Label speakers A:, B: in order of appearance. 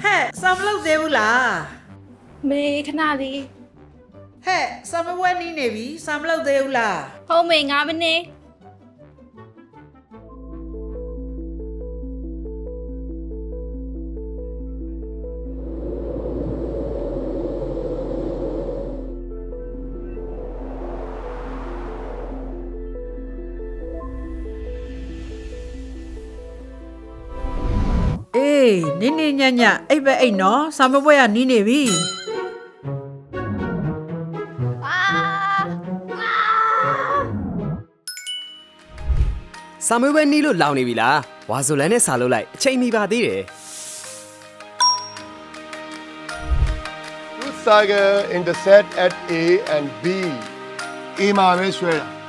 A: ဟဲ့စာမလုပ်သေးဘူးလား
B: မေခဏလေး
A: ဟဲ့စာမပွဲနီးနေပြီစာမလုပ်သေးဘူးလား
B: ဟုတ်မေ9မိနစ်
A: အေးနင်းနေညံ့ညံ့အိပ်ပဲအိတ်နော်စာမပွဲကနီးနေပြီ
C: စာမွေးပွဲနီးလို့လောင်နေပြီလားဝါဆိုလန်နဲ့စာလုပ်လိုက်အချိန်မီပါသေးတယ်
D: Two saga intersect at A and B. A မှာပဲဆွဲတာ